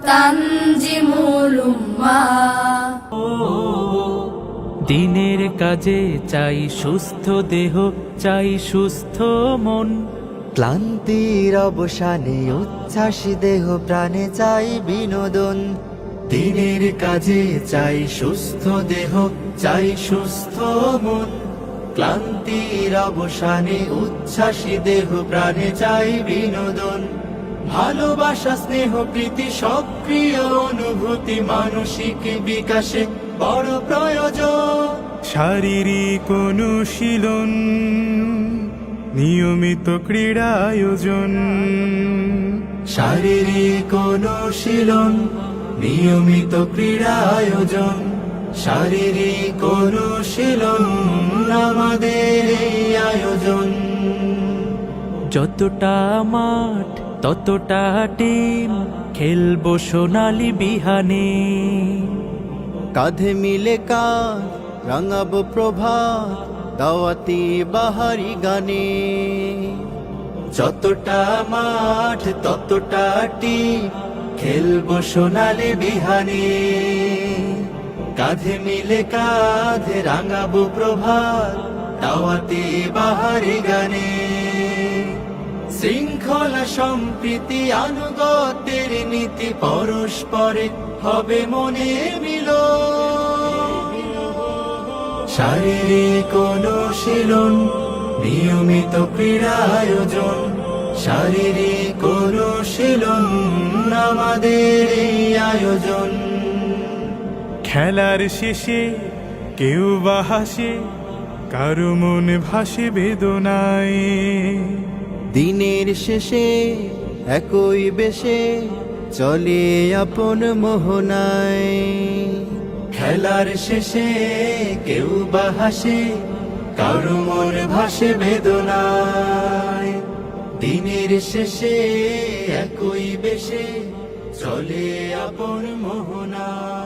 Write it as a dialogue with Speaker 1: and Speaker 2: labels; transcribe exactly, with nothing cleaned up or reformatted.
Speaker 1: তানজিমুল উম্মাহ।
Speaker 2: দিনের কাজে চাই সুস্থ দেহ, চাই সুস্থ মন।
Speaker 3: ক্লান্তির অবসানে উচ্ছ্বাস দেহ প্রাণে চাই বিনোদন।
Speaker 4: দিনের কাজে চাই সুস্থ দেহ, চাই সুস্থ মন। ক্লান্তির অবসানে উচ্ছ্বাসী দেহ প্রাণে চাই বিনোদন। ভালোবাসা স্নেহ প্রীতি সক্রিয় অনুভূতি মানসিক বিকাশে বড় প্রয়োজন।
Speaker 5: শারীরিক অনুশীলন, নিয়মিত ক্রীড়া আয়োজন।
Speaker 4: শারীরিক অনুশীলন, নিয়মিত ক্রীড়া আয়োজন। শারীরিক অনুশীলন আমাদের এই আয়োজন।
Speaker 2: যতটা মাঠ ততটা টিম, খেলবো সোনালি বিহানে।
Speaker 3: কাঁধে মিলে কাঁধ রাঙাবো প্রভাত, দাওয়াতি বাহারি গানে।
Speaker 4: যতটা মাঠ ততটা টিম, খেলবো সোনালি বিহানে। কাঁধে মিলে কাঁধে রাঙাবো প্রভাত, দাওয়াতি বাহারি গানে। শৃঙ্খলা সম্প্রীতি আনুগত্যের নীতি পরস্পরে হবে মনে মিল। শারীরিক অনুশীলন, নিয়মিত ক্রীড়া আয়োজন। শারীরিক অনুশীলন আমাদের এই আয়োজন।
Speaker 5: খেলার শেষে কেউ বা হাসে, কারো মন ভাসে বেদনায়।
Speaker 3: দিনের শেষে একই বেশে চলে আপন মোহনায়।
Speaker 4: খেলার শেষে কেউ বা হাসে, কারো মন ভাসে বেদনায়। দিনের শেষে একই বেশে চলে আপন মোহনায়।